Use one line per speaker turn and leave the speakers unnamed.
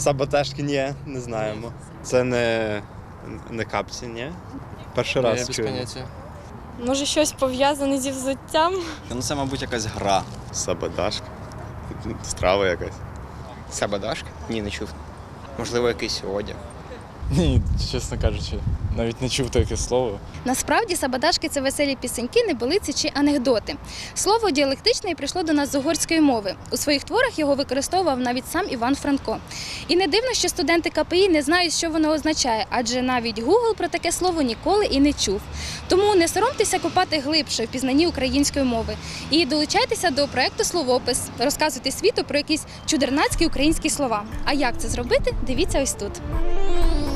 Саботажки ні, не знаємо. Це не капці, ні? Перший
Я
раз
без
чую.
поняття.
Може, щось пов'язане зі взуттям?
Ну, це, мабуть, якась гра.
Саботажка. Страва якась.
Сабадашка? Ні, не чув. Можливо, якийсь одяг.
Ні, чесно кажучи, навіть не чув таке слово.
Насправді сабадашки – це веселі пісеньки, небилиці чи анекдоти. Слово діалектичне і прийшло до нас з угорської мови. У своїх творах його використовував навіть сам Іван Франко. І не дивно, що студенти КПІ не знають, що воно означає, адже навіть Google про таке слово ніколи і не чув. Тому не соромтеся копати глибше в пізнанні української мови. І долучайтеся до проєкту «Словопис». Розказуйте світу про якісь чудернацькі українські слова. А як це зробити, дивіться ось тут.